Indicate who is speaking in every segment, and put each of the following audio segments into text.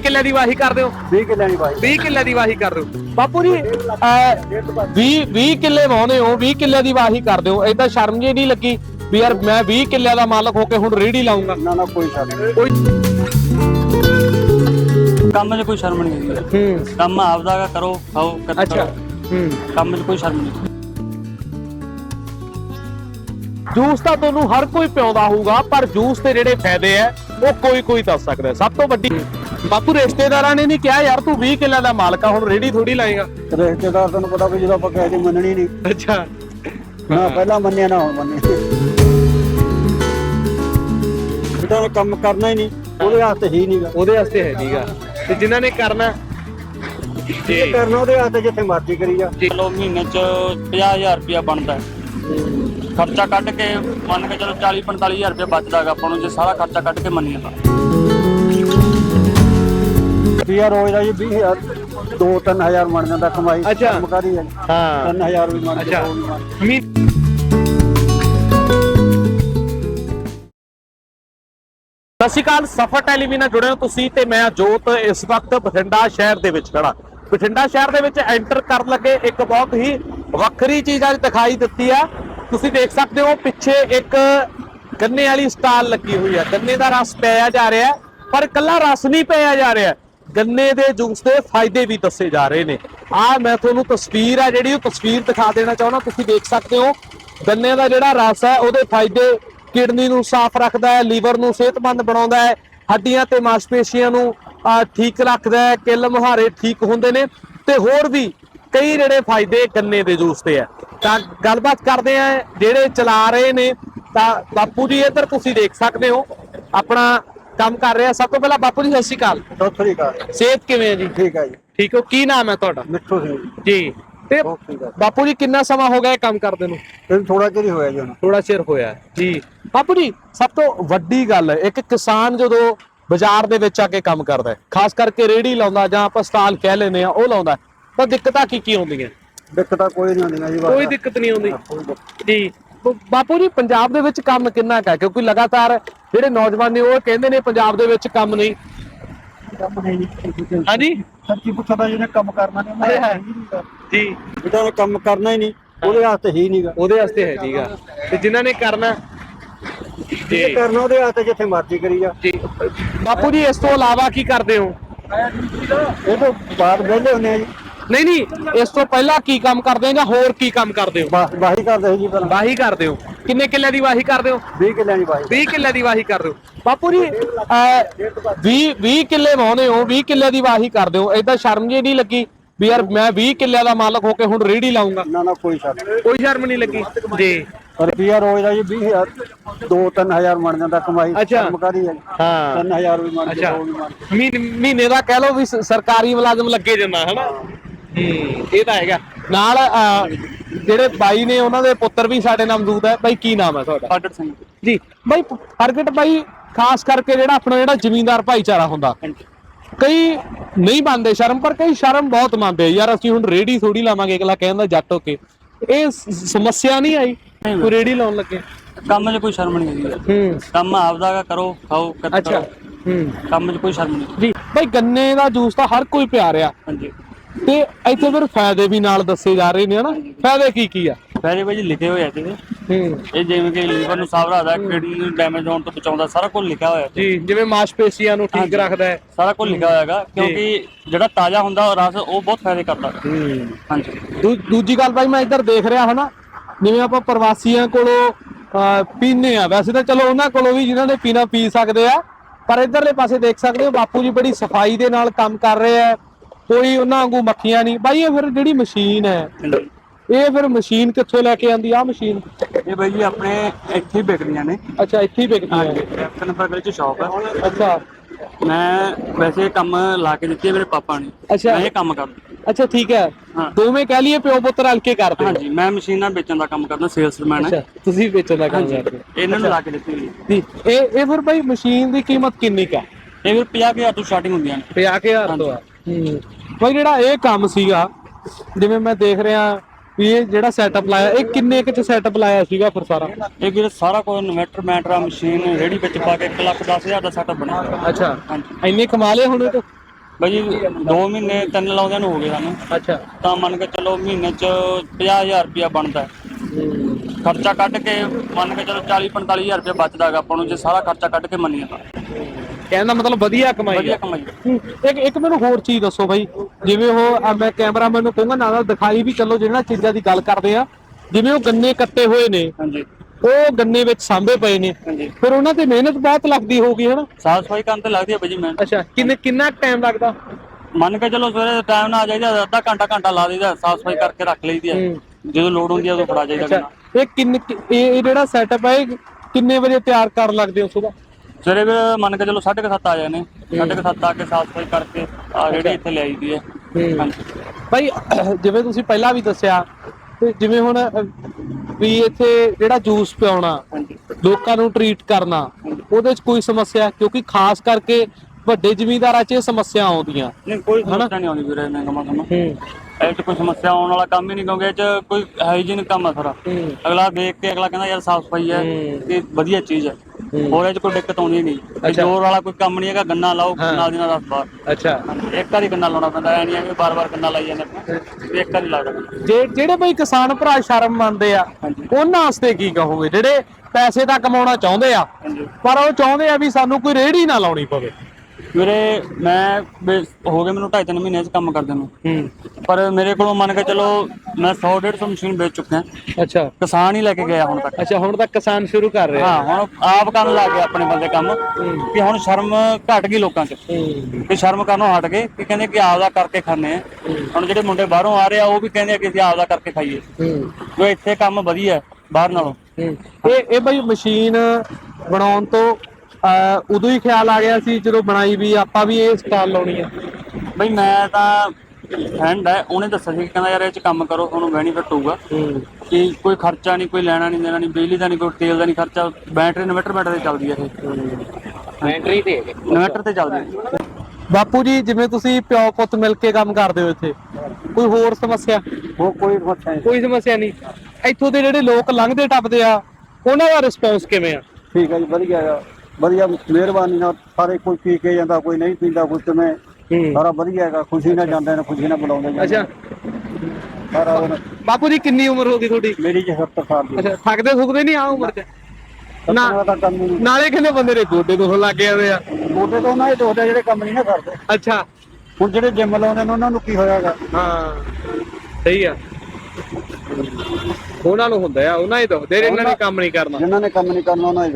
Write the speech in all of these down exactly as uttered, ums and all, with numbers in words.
Speaker 1: ਕਿੱਲੇ ਦੀ ਵਾਹੀ ਕਰਦੇ ਹੋ?
Speaker 2: ਵੀਹ ਕਿੱਲਿਆਂ ਦੀ ਵਾਹੀ
Speaker 1: ਵੀਹ ਕਿੱਲੇ ਦੀ ਵਾਹੀ ਕਰਦੇ ਹੋ ਬਾਪੂ ਜੀ? ਵੀਹ ਵੀਹ ਕਿੱਲੇ ਵਾਹੁੰਦੇ ਹੋ, ਵੀਹ ਕਿੱਲੇ ਦੀ ਵਾਹੀ ਕਰਦੇ ਹੋ, ਏਦਾਂ ਸ਼ਰਮ ਜੀ ਨਹੀਂ ਲੱਗੀ ਵੀ ਯਾਰ ਮੈਂ ਵੀਹ ਕਿੱਲਿਆਂ ਦਾ ਮਾਲਕ ਹੋ ਕੇ ਹੁਣ ਰੇਹੜੀ ਲਾਉਂਗਾ?
Speaker 2: ਨਾ ਨਾ ਕੋਈ ਸ਼ਰਮ ਨਹੀਂ,
Speaker 1: ਕੋਈ
Speaker 3: ਕੰਮ 'ਚ ਕੋਈ ਸ਼ਰਮ ਨਹੀਂ ਹੈਗੀ।
Speaker 1: ਹੂੰ
Speaker 3: ਕੰਮ ਆਪਦਾ ਗਾ, ਕਰੋ ਖਾਓ ਕਰੋ।
Speaker 1: ਅੱਛਾ ਹੂੰ
Speaker 3: ਕੰਮ 'ਚ ਕੋਈ ਸ਼ਰਮ ਨਹੀਂ।
Speaker 1: ਜੂਸ ਤਾਂ ਤੁਹਾਨੂੰ ਹਰ ਕੋਈ ਪਿਆਉਂਦਾ ਹੋਊਗਾ, ਪਰ ਜੂਸ ਦੇ ਜਿਹੜੇ ਫਾਇਦੇ ਆ ਉਹ ਕੋਈ ਕੋਈ ਦੱਸ ਸਕਦਾ। ਸਭ ਤੋਂ ਵੱਡੀ ਬਾਪੂ ਰਿਸ਼ਤੇਦਾਰਾਂ ਨੇ ਨਹੀਂ ਕਿਹਾ ਯਾਰ ਤੂੰ ਵੀਹ ਕਿੱਲਿਆਂ ਦਾ ਮਾਲਕ ਆ, ਹੁਣ ਰੇਹੜੀ ਥੋੜੀ ਲਾਏਗਾ?
Speaker 2: ਰਿਸ਼ਤੇਦਾਰ ਤੈਨੂੰ ਪਤਾ ਵੀ ਜਦੋਂ ਆਪਾਂ ਕਹੇ ਦੀ ਮੰਨਣੀ ਨਹੀਂ।
Speaker 1: ਅੱਛਾ
Speaker 2: ਨਾ ਪਹਿਲਾਂ ਮੰਨਿਆ ਨਾ ਹੁਣ ਮੰਨੇ। ਜਿਹੜਾ ਕੰਮ ਕਰਨਾ ਹੀ ਨਹੀਂ ਉਹਦੇ ਵਾਸਤੇ ਹੀ ਨਹੀਂਗਾ,
Speaker 1: ਉਹਦੇ ਵਾਸਤੇ ਹੈ ਨਹੀਂਗਾ, ਤੇ ਜਿਨ੍ਹਾਂ ਨੇ ਕਰਨਾ
Speaker 2: ਜੇ ਕਰਨਾ ਉਹਦੇ ਵਾਸਤੇ ਜਿੱਥੇ ਮਰਜ਼ੀ ਕਰੀ ਜਾ।
Speaker 3: ਚਲੋ ਮਹੀਨੇ 'ਚ ਪੰਜਾਹ ਹਜ਼ਾਰ ਰੁਪਇਆ ਬਣਦਾ, ਖਰਚਾ ਕੱਢ ਕੇ ਮੰਨ ਕੇ ਚਲੋ ਚਾਲੀ ਪੰਤਾਲੀ ਹਜ਼ਾਰ ਰੁਪਇਆ ਬਚਦਾ ਗਾ ਆਪਾਂ ਨੂੰ, ਜੇ ਸਾਰਾ ਖਰਚਾ ਕੱਢ ਕੇ ਮੰਨੀਏ ਤਾਂ।
Speaker 2: ਰੁਪਈਆ ਰੋਜ਼ ਦਾ ਜੀ ਵੀਹ ਹਜ਼ਾਰ ਦੋ ਤਿੰਨ ਹਜ਼ਾਰ ਬਣ ਜਾਂਦਾ ਕਮਾਈ।
Speaker 1: ਅੱਛਾ।
Speaker 2: ਕੰਮ ਕਰੀ ਹੈ
Speaker 1: ਹਾਂ
Speaker 2: ਤਿੰਨ ਹਜ਼ਾਰ ਵੀ ਬਣ
Speaker 1: ਅੱਛਾ
Speaker 2: ਜਾਂਦਾ।
Speaker 1: ਮੀ ਸਤਿ ਸ਼੍ਰੀ ਅਕਾਲ, ਸਫਰ ਟੈਲੀਵਿਜ਼ਨ ਨਾਲ ਜੁੜੇ ਹੋ ਤੁਸੀਂ ਤੇ ਮੈਂ ਜੋਤ। ਇਸ ਵਕਤ ਬਠਿੰਡਾ ਸ਼ਹਿਰ ਦੇ ਵਿੱਚ ਖੜਾ। ਬਠਿੰਡਾ ਸ਼ਹਿਰ ਦੇ ਵਿੱਚ ਐਂਟਰ ਕਰਨ ਲੱਗੇ ਇੱਕ ਬਹੁਤ ਹੀ ਵੱਖਰੀ ਚੀਜ਼ ਅੱਜ ਦਿਖਾਈ ਦਿੱਤੀ ਆ। ਤੁਸੀਂ ਦੇਖ ਸਕਦੇ ਹੋ ਪਿੱਛੇ ਇੱਕ ਗੰਨੇ ਵਾਲੀ ਸਟਾਲ ਲੱਗੀ ਹੋਈ ਹੈ। ਗੰਨੇ ਦਾ ਰਸ ਪਿਆ ਜਾ ਰਿਹਾ, ਪਰ ਇਕੱਲਾ ਰਸ ਨਹੀਂ ਪਿਆ ਜਾ ਰਿਹਾ, ਗੰਨੇ ਦੇ ਜੂਸ ਦੇ ਫਾਇਦੇ ਵੀ ਦੱਸੇ ਜਾ ਰਹੇ ਨੇ। ਆ ਮੈਂ ਤੁਹਾਨੂੰ ਤਸਵੀਰ ਆ ਜਿਹੜੀ ਉਹ ਤਸਵੀਰ ਦਿਖਾ ਦੇਣਾ ਚਾਹੁੰਦਾ। ਤੁਸੀਂ ਦੇਖ ਸਕਦੇ ਹੋ ਗੰਨੇ ਦਾ ਜਿਹੜਾ ਰਸ ਹੈ ਉਹਦੇ ਫਾਇਦੇ ਕਿਡਨੀ ਨੂੰ ਸਾਫ਼ ਰੱਖਦਾ ਹੈ, ਲੀਵਰ ਨੂੰ ਸਿਹਤਮੰਦ ਬਣਾਉਂਦਾ ਹੈ, ਹੱਡੀਆਂ ਤੇ ਮਾਸਪੇਸ਼ੀਆਂ ਨੂੰ ਠੀਕ ਰੱਖਦਾ ਹੈ, ਕਿੱਲ ਮੁਹਾਰੇ ਠੀਕ ਹੁੰਦੇ ਨੇ, ਤੇ ਹੋਰ ਵੀ ਕਈ ਜਿਹੜੇ ਫਾਇਦੇ ਗੰਨੇ ਦੇ ਜੂਸ ਦੇ ਆ। ਤਾਂ ਗੱਲਬਾਤ ਕਰਦੇ ਆ ਜਿਹੜੇ ਚਲਾ ਰਹੇ ਨੇ। ਤਾਂ ਬਾਪੂ ਜੀ ਇੱਧਰ ਤੁਸੀਂ ਦੇਖ ਸਕਦੇ ਹੋ ਆਪਣਾ ਕੰਮ ਕਰ ਰਿਹਾ। ਸਭ ਤੋਂ ਪਹਿਲਾਂ ਬਾਪੂ ਜੀ ਸਤਿ ਸ਼੍ਰੀ ਅਕਾਲ।
Speaker 2: ਸਤਿ ਸ੍ਰੀ ਅਕਾਲ।
Speaker 1: ਸਿਹਤ ਕਿਵੇਂ ਹੈ ਜੀ?
Speaker 2: ਠੀਕ ਹੈ ਜੀ।
Speaker 1: ਠੀਕ ਹੋ? ਕੀ ਨਾਮ ਹੈ ਤੁਹਾਡਾ?
Speaker 2: ਮਿੱਠੂ ਸਿੰਘ
Speaker 1: ਜੀ। ਤੇ ਬਾਪੂ ਜੀ ਕਿੰਨਾ ਸਮਾਂ ਹੋ ਗਿਆ ਇਹ ਕੰਮ ਕਰਦੇ ਨੂੰ?
Speaker 2: ਜੀ ਥੋੜਾ ਚਿਰ ਹੀ ਹੋਇਆ ਜੀ ਹੁਣ।
Speaker 1: ਥੋੜਾ ਚਿਰ ਹੋਇਆ ਜੀ। ਬਾਪੂ ਜੀ ਸਭ ਤੋਂ ਵੱਡੀ ਗੱਲ ਹੈ, ਇੱਕ ਕਿਸਾਨ ਜਦੋਂ ਬਾਜ਼ਾਰ ਦੇ ਵਿੱਚ ਆ ਕੇ ਕੰਮ ਕਰਦਾ ਹੈ, ਖਾਸ ਕਰਕੇ ਰੇਹੜੀ ਲਾਉਂਦਾ ਜਾਂ ਆਪਾਂ ਸਟਾਲ ਕਹਿ ਲੈਂਦੇ ਆ ਉਹ ਲਾਉਂਦਾ, ਤਾਂ ਦਿੱਕਤਾਂ ਕੀ ਕੀ ਆਉਂਦੀਆਂ?
Speaker 2: ਦਿੱਕਤਾਂ ਕੋਈ ਨਹੀਂ ਆਉਂਦੀਆਂ ਜੀ।
Speaker 1: ਕੋਈ ਦਿੱਕਤ ਨਹੀਂ ਆਉਂਦੀ ਜੀ। ਬਾਪੂ ਜੀ ਪੰਜਾਬ ਦੇ ਵਿੱਚ ਕੰਮ ਕਿੰਨਾ ਕੁ ਹੈ? ਕਿਉਂਕਿ ਲਗਾਤਾਰ ਜਿਹੜੇ ਨੌਜਵਾਨ ਨੇ ਉਹ ਕਹਿੰਦੇ ਨੇ ਪੰਜਾਬ ਦੇ ਵਿੱਚ ਕੰਮ ਨਹੀਂ।
Speaker 2: ਕੰਮ ਹੈ ਜੀ।
Speaker 1: ਹਾਂਜੀ
Speaker 2: ਸੱਚੀ ਪੁੱਛਦਾ ਜਿਹਨੇ ਕੰਮ ਕਰਨਾ ਨਹੀਂ ਹੈ
Speaker 1: ਜੀ,
Speaker 2: ਜਿਹੜਾ ਨੇ ਕੰਮ ਕਰਨਾ ਹੀ ਨਹੀਂ ਉਹਦੇ ਵਾਸਤੇ ਹੀ ਨਹੀਂਗਾ,
Speaker 1: ਉਹਦੇ ਵਾਸਤੇ ਹੈ ਨਹੀਂਗਾ, ਤੇ ਜਿਨ੍ਹਾਂ ਨੇ ਕਰਨਾ
Speaker 2: ਜੇ ਕਰਨਾ ਉਹਦੇ ਵਾਸਤੇ ਜਿੱਥੇ ਮਰਜ਼ੀ ਕਰੀ ਜਾ
Speaker 1: ਜੀ। ਬਾਪੂ ਜੀ ਇਸ ਤੋਂ ਇਲਾਵਾ ਕੀ ਕਰਦੇ ਹੋ?
Speaker 2: ਇਹ ਤੋਂ ਬਾਅਦ ਵਿਹਲੇ ਹੁੰਦੇ ਆ ਜੀ।
Speaker 1: ਨਹੀਂ ਨਹੀਂ, ਇਸ ਤੋਂ ਪਹਿਲਾਂ ਕੀ ਕੰਮ ਕਰਦੇ ਹੋ ਜਾਂ ਹੋਰ ਕੀ ਕੰਮ ਕਰਦੇ ਹੋ?
Speaker 2: ਵਾਹ- ਵਾਹੀ ਕਰਦੇ ਸੀ ਜੀ ਪਹਿਲਾਂ।
Speaker 1: ਵਾਹੀ ਕਰਦੇ ਹੋ? ਕਿੰਨੇ ਕਿੱਲੇ ਦੀ ਵਾਹੀ ਕਰਦੇ ਹੋ?
Speaker 2: ਵੀਹ ਕਿੱਲਿਆਂ ਦੀ ਵਾਹੀ।
Speaker 1: ਵੀਹ ਕਿੱਲੇ ਦੀ ਵਾਹੀ ਕਰਦੇ ਹੋ ਬਾਪੂ ਜੀ? ਵੀਹ ਵੀਹ ਕਿੱਲੇ ਵਾਹੁੰਦੇ ਹੋ, ਵੀਹ ਕਿੱਲੇ ਦੀ ਵਾਹੀ ਕਰਦੇ ਹੋ, ਏਦਾਂ ਸ਼ਰਮ ਜੀ ਨਹੀਂ ਲੱਗੀ ਵੀ ਯਾਰ ਮੈਂ ਵੀਹ ਕਿੱਲਿਆਂ ਦਾ ਮਾਲਕ ਹੋ ਕੇ ਹੁਣ ਰੇਹੜੀ ਲਾਉਂਗਾ?
Speaker 2: ਨਾ ਨਾ ਕੋਈ ਸ਼ਰਮ ਨਹੀਂ,
Speaker 1: ਕੋਈ ਸ਼ਰਮ ਨਹੀਂ ਲੱਗੀ ਜੀ।
Speaker 2: ਰੁਪਈਆ ਰੋਜ਼ ਦਾ ਜੀ ਵੀਹ ਹਜ਼ਾਰ ਦੋ ਤਿੰਨ ਹਜ਼ਾਰ ਬਣ ਜਾਂਦਾ ਕਮਾਈ।
Speaker 1: ਅੱਛਾ।
Speaker 2: ਕੰਮ ਕਰੀ ਹੈ
Speaker 1: ਹਾਂ
Speaker 2: ਤਿੰਨ ਹਜ਼ਾਰ ਵੀ ਬਣ
Speaker 1: ਅੱਛਾ।
Speaker 2: ਜਾਂਦਾ।
Speaker 1: ਮਹੀਨੇ ਮਹੀਨੇ ਦਾ ਕਹਿ ਲਓ ਵੀ ਸ- ਸਰਕਾਰੀ ਮੁਲਾਜ਼ਮ ਲੱਗੇ ਜਾਂਦਾ ਹਨਾ। ਹੂੰ ਇਹ ਤਾਂ ਹੈਗਾ। ਨਾਲ ਜਿਹੜੇ ਬਾਈ ਨੇ ਉਹਨਾਂ ਦੇ ਪੁੱਤਰ ਵੀ ਸਾਡੇ ਨਾਲ ਮੌਜੂਦ ਹੈ। ਬਾਈ ਕੀ ਨਾਮ ਹੈ ਤੁਹਾਡਾ?
Speaker 3: ਫਾਟੜ ਸਿੰਘ
Speaker 1: ਜੀ। ਬਾਈ ਪ੍ਰਗਟ ਬਾਈ, ਖਾਸ ਕਰਕੇ ਜਿਹੜਾ ਆਪਣਾ ਜਿਹੜਾ ਜ਼ਿਮੀਂਦਾਰ ਭਾਈਚਾਰਾ ਹੁੰਦਾ, ਕਈ ਨਹੀਂ ਮੰਨਦੇ ਸ਼ਰਮ, ਪਰ ਕਈ ਸ਼ਰਮ ਬਹੁਤ ਮੰਨਦੇ ਯਾਰ ਅਸੀਂ ਹੁਣ ਰੇਹੜੀ ਥੋੜੀ ਲਾਵਾਂਗੇ, ਅਗਲਾ ਕਹਿੰਦਾ ਜੱਟ ਹੋ ਕੇ। ਇਹ ਸਮੱਸਿਆ ਨਹੀਂ ਆਈ ਕੋਈ ਰੇਹੜੀ ਲਾਉਣ ਲੱਗੇ?
Speaker 3: ਕੰਮ 'ਚ ਕੋਈ ਸ਼ਰਮ ਨਹੀਂ ਹੈਗੀ।
Speaker 1: ਹੂੰ
Speaker 3: ਕੰਮ ਆਪਦਾ ਗਾ, ਕਰੋ ਖਾਓ ਕਰੋ।
Speaker 1: ਅੱਛਾ ਹੂੰ
Speaker 3: ਕੰਮ 'ਚ ਕੋਈ ਸ਼ਰਮ ਨਹੀਂ
Speaker 1: ਜੀ। ਬਾਈ ਗੰਨੇ ਦਾ ਜੂਸ ਤਾਂ ਹਰ ਕੋਈ ਪਿਆ ਰਿਹਾ,
Speaker 3: ਹਾਂਜੀ।
Speaker 1: ਤੇ ਇੱਥੇ ਫਿਰ ਫਾਇਦੇ ਵੀ ਨਾਲ ਦੱਸੇ ਜਾ ਰਹੇ ਨੇ ਹਨਾ। ਫਾਇਦੇ ਕੀ ਕੀ ਆ?
Speaker 3: ਫਾਇਦੇ ਬਾਈ ਜੀ ਲਿਖੇ ਹੋਏ ਆ ਇਹਦੇ।
Speaker 1: ਹੂੰ
Speaker 3: ਇਹ ਜਿਵੇਂ ਕਿ ਲੀਵਰ ਨੂੰ ਸਾਫ਼ ਰੱਖਦਾ, ਕਿਡਨੀ ਨੂੰ ਡੈਮੇਜ ਹੋਣ ਤੋਂ ਬਚਾਉਂਦਾ, ਸਾਰਾ ਕੁਝ ਲਿਖਿਆ ਹੋਇਆ ਇੱਥੇ।
Speaker 1: ਜੀ, ਜਿਵੇਂ ਮਾਸਪੇਸ਼ੀਆਂ ਨੂੰ ਠੀਕ
Speaker 3: ਹਾਂਜੀ।
Speaker 1: ਰੱਖਦਾ ਹੈ,
Speaker 3: ਸਾਰਾ ਕੁਝ ਲਿਖਿਆ ਹੋਇਆ ਹੈਗਾ, ਕਿਉਂਕਿ ਜਿਹੜਾ ਤਾਜ਼ਾ ਹੁੰਦਾ ਰਸ ਉਹ ਬਹੁਤ ਫਾਇਦੇ ਕਰਦਾ।
Speaker 1: ਹੂੰ
Speaker 3: ਹਾਂਜੀ।
Speaker 1: ਦੂ- ਦੂਜੀ ਗੱਲ ਬਾਈ ਮੈਂ ਇੱਧਰ ਦੇਖ ਰਿਹਾ ਹਨਾ, ਜਿਵੇਂ ਆਪਾਂ ਪ੍ਰਵਾਸੀਆਂ ਕੋਲੋਂ ਪੀਨੇ ਆ, ਵੈਸੇ ਤਾਂ ਚਲੋ ਉਹਨਾਂ ਕੋਲੋਂ ਵੀ ਜਿਨ੍ਹਾਂ ਨੇ ਪੀਣਾ ਪੀ ਸਕਦੇ ਆ, ਪਰ ਇੱਧਰਲੇ ਪਾਸੇ ਦੇਖ ਸਕਦੇ ਹੋ ਬਾਪੂ ਜੀ ਬੜੀ ਸਫਾਈ ਦੇ ਨਾਲ ਕੰਮ ਕਰ ਰਹੇ ਆ, ਕੋਈ ਉਹਨਾਂ ਵਾਂਗੂ ਮੱਖੀਆਂ ਨਹੀਂ। ਬਾਈ ਇਹ ਫਿਰ ਜਿਹੜੀ ਮਸ਼ੀਨ ਹੈ, ਇਹ ਫਿਰ ਮਸ਼ੀਨ ਕਿੱਥੋਂ ਲੈ ਕੇ ਆਂਦੀ ਆ ਮਸ਼ੀਨ?
Speaker 3: ਇਹ ਬਾਈ ਜੀ ਆਪਣੇ ਇੱਥੇ ਹੀ ਵਿਕਦੀਆਂ ਨੇ।
Speaker 1: ਅੱਛਾ ਇੱਥੇ ਹੀ ਵਿਕਦੀ ਹੈ?
Speaker 3: ਇੱਕ ਨੰਬਰ ਗਲੀ 'ਚ ਸ਼ਾਪ ਹੈ।
Speaker 1: ਅੱਛਾ
Speaker 3: ਮੈਂ ਵੈਸੇ ਕੰਮ ਲਾ ਕੇ ਦਿੱਤੀ ਹੈ ਮੇਰੇ ਪਾਪਾ ਨੇ।
Speaker 1: ਅੱਛਾ।
Speaker 3: ਮੈਂ ਇਹ ਕੰਮ ਕਰਦਾ।
Speaker 1: ਅੱਛਾ ਠੀਕ ਹੈ।
Speaker 3: ਹਾਂ।
Speaker 1: ਦੋਵੇਂ ਕਹਿ ਲਈਏ ਪਿਓ ਪੁੱਤ ਰਲ ਕੇ ਕਰਦੇ ਹੋ?
Speaker 3: ਹਾਂਜੀ, ਮੈਂ ਮਸ਼ੀਨਾਂ ਵੇਚਣ ਦਾ ਕੰਮ ਕਰਦਾ, ਸੇਲਸਮੈਨ ਹੈ।
Speaker 1: ਅੱਛਾ ਤੁਸੀਂ ਵੇਚਣ ਦਾ ਕੰਮ
Speaker 3: ਹਾਂਜੀ,
Speaker 1: ਕਰਦੇ ਹੋ?
Speaker 3: ਇਹਨਾਂ ਨੂੰ ਲਾ ਕੇ ਦਿੱਤੀ ਹੋਈ ਹੈ।
Speaker 1: ਜੀ। ਇਹ ਇਹ ਫਿਰ ਬਾਈ ਮਸ਼ੀਨ ਦੀ ਕੀਮਤ ਕਿੰਨੀ ਕਾ?
Speaker 3: ਇਹ ਫਿਰ ਪੰਜਾਹ ਹਜ਼ਾਰ ਤੋਂ ਸਟਾਰਟਿੰਗ ਹੁੰਦੀਆਂ ਨੇ।
Speaker 1: ਪੰਜਾਹ ਹਜ਼ਾਰ ਤੋਂ ਆ। ਹੂੰ ਬਾਈ ਜਿਹੜਾ ਇਹ ਕੰਮ ਸੀਗਾ, ਜਿਵੇਂ ਮੈਂ ਦੇਖ ਰਿਹਾ ਵੀ ਇਹ ਜਿਹੜਾ ਸੈਟਅਪ ਲਾਇਆ, ਇਹ ਕਿੰਨੇ ਕੁ ਚ ਸੈਟਅਪ ਲਾਇਆ ਸੀਗਾ ਫਿਰ ਸਾਰਾ?
Speaker 3: ਇਹ ਵੀਰ ਸਾਰਾ ਕੁਝ ਇਨਵਰਟਰ ਮੈਟਰਾ ਮਸ਼ੀਨ ਰੇੜੀ ਵਿੱਚ ਪਾ ਕੇ ਇੱਕ ਲੱਖ ਦਸ ਹਜ਼ਾਰ ਦਾ ਸੈਟਅਪ ਬਣਿਆ ਹੋਇਆ।
Speaker 1: ਅੱਛਾ
Speaker 3: ਹਾਂਜੀ।
Speaker 1: ਇੰਨੇ ਕਮਾ ਲਏ ਹੁਣ ਇਹ ਤੋਂ?
Speaker 3: ਬਾਈ ਜੀ ਦੋ ਮਹੀਨੇ ਤਿੰਨ ਲਾਉਂਦਿਆਂ ਨੂੰ ਹੋ ਗਏ ਸਾਨੂੰ।
Speaker 1: ਅੱਛਾ।
Speaker 3: ਤਾਂ ਮੰਨ ਕੇ ਚਲੋ ਮਹੀਨੇ 'ਚ ਪੰਜਾਹ ਹਜ਼ਾਰ ਰੁਪਇਆ ਬਣਦਾ ਹੈ। ਖਰਚਾ ਕੱਢ ਕੇ ਮੰਨ ਕੇ ਚਲੋ ਚਾਲੀ ਪੰਤਾਲੀ ਹਜ਼ਾਰ ਰੁਪਇਆ ਬਚਦਾ ਹੈਗਾ ਆਪਾਂ ਨੂੰ ਜੇ ਸਾਰਾ ਖਰਚਾ ਕੱਢ ਕੇ ਮੰਨੀਏ ਤਾਂ।
Speaker 1: ਕਹਿਣ ਦਾ ਮਤਲਬ ਵਧੀਆ ਕਮਾਈ
Speaker 3: ਵਧੀਆ
Speaker 1: ਆ।
Speaker 3: ਕਮਾਈ।
Speaker 1: ਇੱਕ ਇੱਕ ਮੈਨੂੰ ਹੋਰ ਚੀਜ਼ ਦੱਸੋ ਬਾਈ, ਜਿਵੇਂ ਉਹ ਆ ਮੈਂ ਕੈਮਰਾਮੈਨ ਨੂੰ ਕਹੂੰਗਾ ਨਾਲ ਨਾਲ ਦਿਖਾਈ ਵੀ ਚੱਲੋ ਜਿਹੜਾ ਚੀਜ਼ਾਂ ਦੀ ਗੱਲ ਕਰਦੇ ਆ, ਜਿਵੇਂ ਉਹ ਗੰਨੇ ਕੱਟੇ ਹੋਏ ਨੇ,
Speaker 3: ਹਾਂਜੀ
Speaker 1: ਉਹ ਗੰਨੇ ਵਿੱਚ ਸਾਂਭੇ ਪਏ ਨੇ,
Speaker 3: ਹਾਂਜੀ।
Speaker 1: ਫਿਰ ਉਹਨਾਂ ਤੇ ਮਿਹਨਤ ਬਹੁਤ ਲੱਗਦੀ ਹੋਊਗੀ ਹਨਾ।
Speaker 3: ਸਾਫ ਸਫਾਈ ਕਰਨ ਤੇ ਲੱਗਦੀ ਹੈ ਬਾਈ ਜੀ ਮਿਹਨਤ।
Speaker 1: ਅੱਛਾ, ਕਿੰਨੇ ਕਿੰਨਾ ਟਾਈਮ ਲੱਗਦਾ?
Speaker 3: ਮੰਨ ਕੇ ਚਲੋ ਸਵੇਰੇ ਟਾਈਮ ਨਾਲ ਆ ਜਾਈਦਾ, ਅੱਧਾ ਘੰਟਾ ਘੰਟਾ ਲਾ ਦਈਦਾ, ਸਾਫ ਸਫਾਈ ਕਰਕੇ ਰੱਖ ਲਈਦੀ ਹੈ। ਜਦੋਂ ਲੋੜ ਹੁੰਦੀ ਹੈ ਉਦੋਂ ਫੜਾ ਜਾਈਦਾ
Speaker 1: ਅੱਛਾ,
Speaker 3: ਗੰਨਾ।
Speaker 1: ਇਹ ਕਿੰਨੇ ਇਹ ਇਹ ਜਿਹੜਾ ਸੈਟਅਪ ਹੈ ਇਹ ਕਿੰਨੇ ਵਜੇ ਤਿਆਰ ਕਰਨ ਲੱਗਦੇ ਹੋ ਸੁਬਾਹ?
Speaker 3: ਸਵੇਰੇ ਵੀ ਮੰਨ ਕੇ ਚਲੋ ਸਾਢੇ ਕੁ ਸੱਤ ਆ ਜਾਣੇ, ਸਾਢੇ ਕੁ ਸੱਤ ਆ ਕੇ ਸਾਫ ਸਫਾਈ ਕਰਕੇ ਆ ਜਿਹੜੀ ਇੱਥੇ ਲੈ ਆਈਦੀ ਹੈ। ਹਾਂਜੀ
Speaker 1: ਭਾਈ ਜਿਵੇਂ ਤੁਸੀਂ ਪਹਿਲਾਂ ਵੀ ਦੱਸਿਆ ਤੇ ਜਿਵੇਂ ਹੁਣ ਅਹ, ਵੀ ਇੱਥੇ ਜਿਹੜਾ ਜੂਸ ਪਿਆਉਣਾ,
Speaker 3: ਹਾਂਜੀ
Speaker 1: ਲੋਕਾਂ ਨੂੰ ਟਰੀਟ ਕਰਨਾ, ਉਹਦੇ 'ਚ ਕੋਈ ਸਮੱਸਿਆ? ਕਿਉਂਕਿ ਖਾਸ ਕਰਕੇ ਵੱਡੇ ਜ਼ਿਮੀਂਦਾਰਾਂ 'ਚ ਇਹ ਸਮੱਸਿਆ ਆਉਂਦੀਆਂ।
Speaker 3: ਨਹੀਂ ਕੋਈ ਸਮੱਸਿਆ ਨਹੀਂ ਆਉਂਦੀ ਵੀਰੇ, ਮੈਂ ਕਹਾਂ ਤੁਹਾਨੂੰ ਇਹ 'ਚ ਕੋਈ ਸਮੱਸਿਆ ਆਉਣ ਵਾਲਾ ਕੰਮ ਹੀ ਨਹੀਂ, ਕਿਉਂਕਿ ਇਹ 'ਚ ਕੋਈ ਹਾਈਜੀਨਿਕ ਕੰਮ ਆ ਸਾਰਾ। ਅਗਲਾ ਦੇਖ ਕੇ ਅਗਲਾ ਕਹਿੰਦਾ ਯਾਰ ਸਾਫ ਸਫਾਈ ਹੈ ਤੇ ਵਧੀਆ ਚੀਜ਼ ਹੈ, ਹੋਰ ਇਹ 'ਚ ਕੋਈ ਦਿੱਕਤ ਆਉਂਦੀ ਨਹੀਂ। ਜ਼ੋਰ ਵਾਲਾ ਕੋਈ ਕੰਮ ਨਹੀਂ ਹੈਗਾ, ਗੰਨਾ ਲਾਓ ਨਾਲ ਦੀ ਨਾਲ ਦਸ ਬਾਰ।
Speaker 1: ਅੱਛਾ,
Speaker 3: ਇੱਕ ਵਾਰੀ ਗੰਨਾ ਲਾਉਣਾ ਪੈਂਦਾ, ਐ ਨਹੀਂ ਹੈ ਕਿ ਬਾਰ ਬਾਰ ਗੰਨਾ ਲਾਈ ਜਾਂਦੇ ਆਪਾਂ, ਇੱਕ ਵਾਰੀ ਲੱਗਦਾ।
Speaker 1: ਜੇ ਜਿਹੜੇ ਬਈ ਕਿਸਾਨ ਭਰਾ ਸ਼ਰਮ ਮੰਨਦੇ ਆ, ਉਹਨਾਂ ਵਾਸਤੇ ਕੀ ਕਹੋਗੇ? ਜਿਹੜੇ ਪੈਸੇ ਤਾਂ ਕਮਾਉਣਾ ਚਾਹੁੰਦੇ ਆ ਪਰ ਉਹ ਚਾਹੁੰਦੇ ਆ ਵੀ ਸਾਨੂੰ ਕੋਈ ਰੇਹੜੀ ਨਾ ਲਾਉਣੀ ਪਵੇ।
Speaker 3: ਵੀਰੇ ਮੈਂ ਹੋ ਗਏ ਮੈਨੂੰ ਢਾਈ ਤਿੰਨ ਮਹੀਨੇ ਚ ਕੰਮ ਕਰਦੇ ਨੂੰ, ਪਰ ਮੇਰੇ ਕੋਲੋਂ ਮੰਨ ਕੇ ਚਲੋ ਮੈਂ ਸੌ ਡੇਢ ਸੌ ਮਸ਼ੀਨ ਵੇਚ ਚੁੱਕਿਆ।
Speaker 1: ਅੱਛਾ,
Speaker 3: ਕਿਸਾਨ ਹੀ ਲੈ ਕੇ ਗਿਆ ਹੁਣ ਤੱਕ।
Speaker 1: ਅੱਛਾ, ਹੁਣ ਤੱਕ ਕਿਸਾਨ ਸ਼ੁਰੂ ਕਰ ਰਿਹਾ।
Speaker 3: ਹਾਂ, ਹੁਣ ਆਪ ਕਰਨ ਲੱਗ ਗਏ ਆਪਣੇ ਬੰਦੇ ਕੰਮ, ਕਿ ਹੁਣ ਸ਼ਰਮ ਘਟ ਗਈ ਲੋਕਾਂ 'ਚ, ਕਿ ਸ਼ਰਮ ਕਰਨੋਂ ਹਟ ਗਏ, ਕਿ ਕਹਿੰਦੇ ਕਿ ਆਪਦਾ ਕਰਕੇ ਖਾਣੇ ਆ। ਹੁਣ ਜਿਹੜੇ ਮੁੰਡੇ ਬਾਹਰੋਂ ਆ ਰਹੇ ਆ ਉਹ ਵੀ ਕਹਿੰਦੇ ਆ ਕਿ ਅਸੀਂ ਆਪਦਾ ਕਰਕੇ ਖਾਈਏ, ਕਿਉਂਕਿ ਇੱਥੇ ਕੰਮ ਵਧੀਆ ਬਾਹਰ ਨਾਲੋਂ।
Speaker 1: ਇਹ ਇਹ ਬਈ ਮਸ਼ੀਨ ਬਣਾਉਣ ਤੋਂ ਅਹ ਉਦੋਂ ਹੀ ਖਿਆਲ ਆ ਗਿਆ ਸੀ ਜਦੋਂ ਬਣਾਈ ਵੀ ਆਪਾਂ ਵੀ ਇਹ ਸਟਾਲ ਲਾਉਣੀ ਆ?
Speaker 3: ਬਈ ਮੈਂ ਤਾਂ ਫਰੈਂਡ ਹੈ, ਉਹਨੇ ਦੱਸਿਆ ਸੀ, ਕਹਿੰਦਾ ਯਾਰ ਇਹ 'ਚ ਕੰਮ ਕਰੋ ਤੁਹਾਨੂੰ ਬੈਨੀਫਿਟ ਹੋਊਗਾ, ਕਿ ਕੋਈ ਖਰਚਾ ਨਹੀਂ, ਕੋਈ ਲੈਣਾ ਨਹੀਂ ਦੇਣਾ ਨਹੀਂ, ਬਿਜਲੀ ਦਾ ਨਹੀਂ, ਕੋਈ ਤੇਲ ਦਾ ਨਹੀਂ ਖਰਚਾ, ਬੈਟਰੀ ਇਨਵਰਟਰ ਬੈਟਰ ਤੇ ਚੱਲਦੀ ਹੈ ਇਹ,
Speaker 1: ਬੈਟਰੀ ਤੇ
Speaker 3: ਇਨਵਰਟਰ ਤੇ ਚੱਲਦੀ ਹੈ।
Speaker 1: ਬਾਪੂ ਜੀ ਜਿਵੇਂ ਤੁਸੀਂ ਪਿਓ ਪੁੱਤ ਮਿਲ ਕੇ ਕੰਮ ਕਰਦੇ ਹੋ ਇੱਥੇ, ਕੋਈ ਹੋਰ ਸਮੱਸਿਆ?
Speaker 2: ਉਹ ਕੋਈ ਸਮੱਸਿਆ ਨਹੀਂ।
Speaker 1: ਕੋਈ ਸਮੱਸਿਆ ਨਹੀਂ। ਇੱਥੋਂ ਦੇ ਜਿਹੜੇ ਲੋਕ ਲੰਘਦੇ ਟੱਪਦੇ ਆ ਉਹਨਾਂ ਦਾ ਰਿਸਪੌਂਸ ਕਿਵੇਂ ਆ?
Speaker 2: ਠੀਕ ਹੈ ਜੀ, ਵਧੀਆ ਆ, ਵਧੀਆ ਮਿਹਰਬਾਨੀ ਨਾਲ ਸਾਰੇ, ਕੋਈ ਪੀ ਕੇ ਜਾਂਦਾ, ਕੋਈ ਨਹੀਂ ਪੀਂਦਾ, ਕੋਈ ਕਿਵੇਂ, ਸਾਰਾ ਵਧੀਆ ਹੈਗਾ। ਖੁਸ਼ੀ ਨਾਲ ਜਾਂਦੇ ਨੇ, ਖੁਸ਼ੀ ਨਾਲ ਬੁਲਾਉਂਦੇ ਨੇ।
Speaker 1: ਅੱਛਾ
Speaker 2: ਸਾਰਾ ਦਿਨ।
Speaker 1: ਬਾਪੂ ਜੀ ਕਿੰਨੀ ਉਮਰ ਹੋ ਗਈ ਤੁਹਾਡੀ?
Speaker 2: ਮੇਰੀ ਜੀ ਸੱਤਰ ਸਾਲ ਦੀ।
Speaker 1: ਅੱਛਾ, ਥੱਕਦੇ ਸੁੱਕਦੇ ਨਹੀਂ ਆ ਉਮਰ 'ਚ? ਨਾ
Speaker 2: ਨਾ ਤਾਂ ਕੰਮ ਹੀ ਨਹੀਂ।
Speaker 1: ਨਾਲੇ ਕਹਿੰਦੇ ਬੰਦੇ ਦੇ ਗੋਡੇ ਦੁਖਣ ਲੱਗ ਜਾਂਦੇ ਆ।
Speaker 2: ਉਹਦੇ ਤੋਂ ਉਹਨਾਂ ਇਹ ਦੋਦੇ ਜਿਹੜੇ ਕੰਮ ਨਹੀਂ ਨਾ ਕਰਦੇ।
Speaker 1: ਅੱਛਾ,
Speaker 2: ਹੁਣ ਜਿਹੜੇ ਜਿਮ ਲਾਉਂਦੇ ਨੇ ਉਹਨਾਂ ਨੂੰ ਕੀ ਹੋਇਆਗਾ?
Speaker 1: ਹਾਂ ਸਹੀ ਆ, ਉਹਨਾਂ ਨੂੰ ਹੁੰਦਾ ਆ, ਉਹਨਾਂ ਹੀ ਦੁਖਦੇ, ਇਹਨਾਂ ਨੇ ਕੰਮ ਨਹੀਂ ਕਰਨਾ।
Speaker 2: ਜਿਨ੍ਹਾਂ ਨੇ ਕੰਮ ਨਹੀਂ ਕਰਨਾ ਉਹਨਾਂ ਹੀ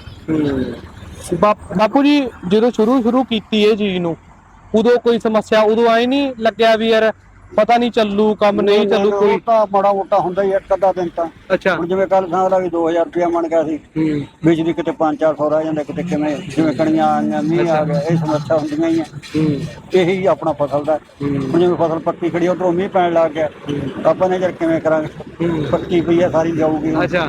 Speaker 2: ਦੋਦੇ।
Speaker 1: ਬਾਪੂ ਜੀ ਜਦੋਂ ਸ਼ੁਰੂ ਸ਼ੁਰੂ ਕੀਤੀ ਇਹ ਚੀਜ਼ ਨੂੰ, ਉਦੋਂ ਕੋਈ ਸਮੱਸਿਆ, ਉਦੋਂ ਆਏ ਨਹੀਂ ਲੱਗਿਆ ਵੀ ਯਾਰ ਪਤਾ ਨਹੀਂ ਚੱਲੂ ਕੰਮ, ਨਹੀਂ ਚੱਲੂ ਕੋਈ?
Speaker 2: ਤਾਂ ਮਾੜਾ ਮੋਟਾ ਹੁੰਦਾ ਹੀ ਇੱਕ ਅੱਧਾ ਦਿਨ ਤਾਂ।
Speaker 1: ਅੱਛਾ,
Speaker 2: ਹੁਣ ਜਿਵੇਂ ਕੱਲ ਸਾਲ ਆ ਵੀ ਦੋ ਹਜ਼ਾਰ ਰੁਪਇਆ ਬਣ ਗਿਆ ਸੀ, ਬਿਜਲੀ ਕਿਤੇ ਪੰਜ ਚਾਰ ਸੌ ਰਹਿ ਜਾਂਦਾ, ਕਿਤੇ ਕਿਵੇਂ, ਜਿਵੇਂ ਕਣੀਆਂ ਆਈਆਂ, ਮੀਂਹ ਆ ਗਿਆ, ਇਹ ਸਮੱਸਿਆ ਹੁੰਦੀਆਂ ਹੀ ਆ। ਇਹੀ ਆਪਣਾ ਫਸਲ ਦਾ। ਹੁਣ ਜਿਵੇਂ ਫਸਲ ਪੱਕੀ ਖੜੀ, ਉਧਰੋਂ ਮੀਂਹ ਪੈਣ ਲੱਗ ਗਿਆ, ਆਪਾਂ ਨੇ ਯਾਰ ਕਿਵੇਂ ਕਰਾਂਗੇ, ਪੱਕੀ ਪਈ ਆ ਸਾਰੀ ਜਾਊਗੀ।
Speaker 1: ਅੱਛਾ,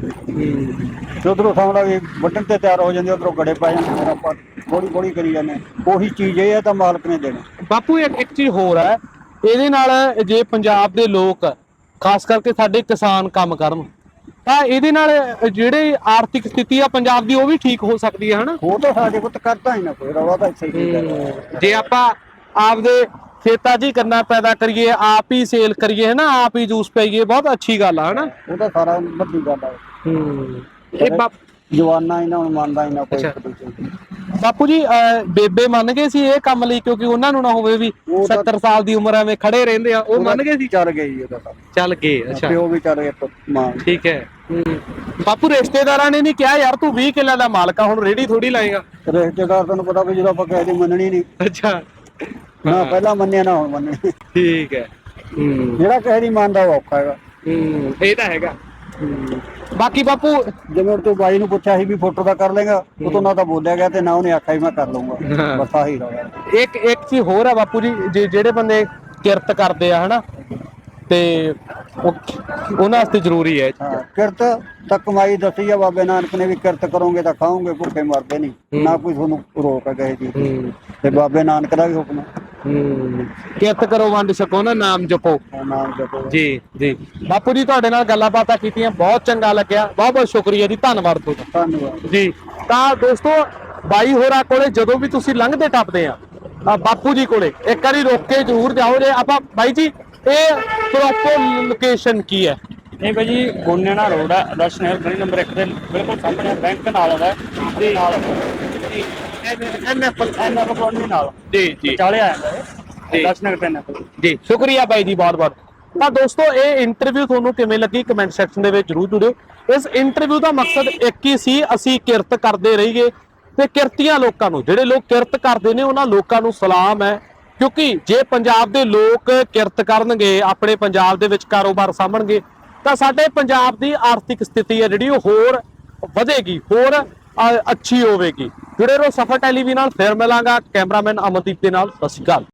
Speaker 2: ਉਧਰੋਂ ਸਾਹਮਣਾ ਵੀ ਵੱਢਣ ਤੇ ਤਿਆਰ ਹੋ ਜਾਂਦੇ, ਉਧਰੋਂ ਗੜੇ ਪੈ ਜਾਂਦੇ, ਫਿਰ ਆਪਾਂ ਥੋੜੀ ਥੋੜੀ ਕਰੀ ਜਾਂਦੇ। ਉਹੀ ਚੀਜ਼ ਇਹ ਹੈ ਤਾਂ ਮਾਲਕ ਨੇ ਦੇਣੀ।
Speaker 1: ਬਾਪੂ ਇੱਕ ਇੱਕ ਚੀਜ਼ ਹੋਰ ਹੈ, ਇਹਦੇ ਨਾਲ ਜੇ ਪੰਜਾਬ ਦੇ ਲੋਕ ਖਾਸ ਕਰਕੇ ਸਾਡੇ ਕਿਸਾਨ ਕੰਮ ਕਰਨ ਤਾਂ ਇਹਦੇ ਨਾਲ ਜਿਹੜੇ ਆਰਥਿਕ ਸਥਿਤੀ ਆ ਪੰਜਾਬ ਦੀ ਉਹ ਵੀ ਠੀਕ ਹੋ ਸਕਦੀ ਹੈ ਹਨਾ?
Speaker 2: ਉਹ ਤਾਂ ਸਾਡੇ ਪੁੱਤ ਕਰਦਾ ਹੀ ਨਾ ਕੋਈ, ਰੌਲਾ ਤਾਂ ਇੱਥੇ ਹੀ ਹੈ।
Speaker 1: ਜੇ ਆਪਾਂ ਆਪਦੇ ਖੇਤਾਂ 'ਚ ਹੀ ਕਰਨਾ ਪੈਦਾ ਕਰੀਏ, ਆਪ ਹੀ ਸੇਲ ਕਰੀਏ ਹਨਾ, ਆਪ ਹੀ ਜੂਸ ਪੀਈਏ, ਬਹੁਤ ਅੱਛੀ ਗੱਲ ਆ ਹਨਾ?
Speaker 2: ਉਹ ਤਾਂ ਸਾਰਾ ਵੱਡੀ ਗੱਲ ਹੈ।
Speaker 1: ਇਹ
Speaker 2: ਜਵਾਨਾ ਇਹਨਾਂ ਨੂੰ ਮੰਨਦਾ ਹੀ ਨਾ ਕੋਈ।
Speaker 1: ਬਾਪੂ ਜੀ ਬੇਬੇ ਮੰਨ ਗਏ ਸੀ ਇਹ ਕੰਮ ਲਈ, ਕਿਉਂਕਿ ਉਹਨਾਂ ਨੂੰ ਨਾ ਹੋਵੇ ਵੀ ਸੱਤਰ ਸਾਲ ਦੀ ਉਮਰ ਐਵੇਂ ਖੜੇ ਰਹਿੰਦੇ ਆ, ਉਹ ਮੰਨ ਗਏ ਸੀ?
Speaker 2: ਚੱਲ ਗਈ ਉਹਦਾ ਤਾਂ,
Speaker 1: ਚੱਲ ਗਏ। ਅੱਛਾ,
Speaker 2: ਪਿਓ ਵੀ ਚੱਲ ਗਿਆ ਮਾਂ।
Speaker 1: ਠੀਕ ਹੈ। ਬਾਪੂ ਰਿਸ਼ਤੇਦਾਰਾਂ ਨੇ ਨਹੀਂ ਕਿਹਾ ਯਾਰ ਤੂੰ ਵੀਹ ਕਿੱਲਿਆਂ ਦਾ ਮਾਲਕ ਆ, ਹੁਣ ਰੇਹੜੀ ਥੋੜੀ ਲਾਏਗਾ?
Speaker 2: ਰਿਸ਼ਤੇਦਾਰ ਤੈਨੂੰ ਪਤਾ ਵੀ ਜਦੋਂ ਆਪਾਂ ਕਿਸੇ ਦੀ ਮੰਨਣੀ ਨਹੀਂ।
Speaker 1: ਅੱਛਾ,
Speaker 2: ਨਾ ਪਹਿਲਾਂ ਮੰਨਿਆ ਨਾ ਹੁਣ ਮੰਨੇ।
Speaker 1: ਠੀਕ ਹੈ।
Speaker 2: ਜਿਹੜਾ ਕਿਸੇ ਦੀ ਮੰਨਦਾ ਉਹ ਔਖਾ ਹੈਗਾ।
Speaker 1: ਇਹ ਤਾਂ ਹੈਗਾ। ਬਾਕੀ ਬਾਪੂ
Speaker 2: ਜਿਵੇਂ ਤੂੰ ਬਾਈ ਨੂੰ ਪੁੱਛਿਆ ਸੀ ਵੀ ਫੋਟੋ ਦਾ ਕਰ ਲੇਗਾ, ਉਹ ਤੋਂ ਨਾ ਤਾਂ ਬੋਲਿਆ ਗਿਆ ਤੇ ਨਾ ਉਹਨੇ ਆਖਿਆ ਵੀ ਮੈਂ ਕਰ ਲਊਂਗਾ, ਬਸ ਆਹੀ ਰਹਾ।
Speaker 1: ਇੱਕ ਇੱਕ ਚੀਜ਼ ਹੋਰ ਹੈ ਬਾਪੂ ਜੀ, ਜਿਹੜੇ ਬੰਦੇ ਕਿਰਤ ਕਰਦੇ ਆ ਹਨਾ, ਤੇ ਉਹਨਾਂ ਵਾਸਤੇ ਜ਼ਰੂਰੀ ਹੈ।
Speaker 2: ਕਿਰਤ ਤਾਂ ਕਮਾਈ ਦੱਸੀ ਆ ਬਾਬੇ ਨਾਨਕ ਨੇ ਵੀ, ਕਿਰਤ ਕਰੋਗੇ ਤਾਂ ਖਾਓਗੇ, ਭੁੱਖੇ ਮਰਦੇ ਨਹੀਂ, ਨਾ ਕੋਈ ਤੁਹਾਨੂੰ ਰੋਕ ਹੈ ਕਿਸੇ ਚੀਜ਼ ਤੇ ਬਾਬੇ ਨਾਨਕ ਦਾ ਵੀ ਹੁਕਮ ਹੈ।
Speaker 1: ਕਿਰਤ ਕਰੋ ਵੰਡ ਛਕੋ ਨਾ ਨਾਮ ਜਪੋ।
Speaker 2: ਨਾਮ ਜਪੋ
Speaker 1: ਜੀ ਜੀ। ਬਾਪੂ ਜੀ ਤੁਹਾਡੇ ਨਾਲ ਗੱਲਾਂ ਬਾਤਾਂ ਕੀਤੀਆਂ, ਬਹੁਤ ਚੰਗਾ ਲੱਗਿਆ, ਬਹੁਤ ਬਹੁਤ ਸ਼ੁਕਰੀਆ ਜੀ, ਧੰਨਵਾਦ ਤੁਹਾਡਾ।
Speaker 2: ਧੰਨਵਾਦ
Speaker 1: ਜੀ। ਤਾਂ ਦੋਸਤੋ ਬਾਈ ਹੋਰਾਂ ਕੋਲੇ ਜਦੋਂ ਵੀ ਤੁਸੀਂ ਲੰਘਦੇ ਟੱਪਦੇ ਆ ਅ, ਬਾਪੂ ਜੀ ਕੋਲੇ ਇੱਕ ਵਾਰੀ ਰੋਕ ਕੇ ਜ਼ਰੂਰ ਜਾਓ ਜੇ ਆਪਾਂ। ਬਾਈ ਜੀ ਇਹ ਪ੍ਰੋਪਰ ਲੋਕੇਸ਼ਨ ਕੀ ਹੈ?
Speaker 3: ਇਹ ਭਾਈ ਜੀ ਗੋਨੇਣਾ ਰੋਡ ਹੈ, ਆਦਰਸ਼ ਨਗਰ ਗਲੀ ਨੰਬਰ ਇੱਕ ਦੇ ਬਿਲਕੁਲ ਸਾਹਮਣੇ ਬੈਂਕ ਨਾਲ ਆਉਂਦਾ ਤੇ ਨਾਲ N F N F colony ਨਾਲ
Speaker 1: ਜੀ ਜੀ
Speaker 3: ਚਾਲੇ ਆ ਜਾਂਦਾ ਹੈ ਆਦਰਸ਼ ਨਗਰ ਪੈਨ ਐਫ।
Speaker 1: ਜੀ ਸ਼ੁਕਰੀਆ ਬਾਈ ਜੀ ਬਹੁਤ ਬਹੁਤ। ਤਾਂ ਦੋਸਤੋ ਇਹ ਇੰਟਰਵਿਊ ਤੁਹਾਨੂੰ ਕਿਵੇਂ ਲੱਗੀ ਕਮੈਂਟ ਸੈਕਸ਼ਨ ਦੇ ਵਿੱਚ ਜਰੂਰ ਜੁੜਿਓ। ਇਸ ਇੰਟਰਵਿਊ ਦਾ ਮਕਸਦ ਇੱਕ ਹੀ ਸੀ, ਅਸੀਂ ਕਿਰਤ ਕਰਦੇ ਰਹੀਏ ਤੇ ਕਿਰਤੀਆਂ ਲੋਕਾਂ ਨੂੰ, ਜਿਹੜੇ ਲੋਕ ਕਿਰਤ ਕਰਦੇ ਨੇ ਉਹਨਾਂ ਲੋਕਾਂ ਨੂੰ ਸਲਾਮ ਹੈ, ਕਿਉਂਕਿ ਜੇ ਪੰਜਾਬ ਦੇ ਲੋਕ ਕਿਰਤ ਕਰਨਗੇ, ਆਪਣੇ ਪੰਜਾਬ ਦੇ ਵਿੱਚ ਕਾਰੋਬਾਰ ਸਾਂਭਣਗੇ ਤਾਂ ਸਾਡੇ ਪੰਜਾਬ ਦੀ ਆਰਥਿਕ ਸਥਿਤੀ ਹੈ ਜਿਹੜੀ ਉਹ ਹੋਰ ਵਧੇਗੀ, ਹੋਰ ਅ, ਅੱਛੀ ਹੋਵੇਗੀ। ਜੁੜੇ ਰਹੋ ਸਫਰ ਟੈਲੀਵਿਜ਼ਨ ਨਾਲ। ਫਿਰ ਮਿਲਾਂਗਾ ਕੈਮਰਾਮੈਨ ਅਮਨਦੀਪ ਦੇ ਨਾਲ। ਸਤਿ ਸ਼੍ਰੀ ਅਕਾਲ।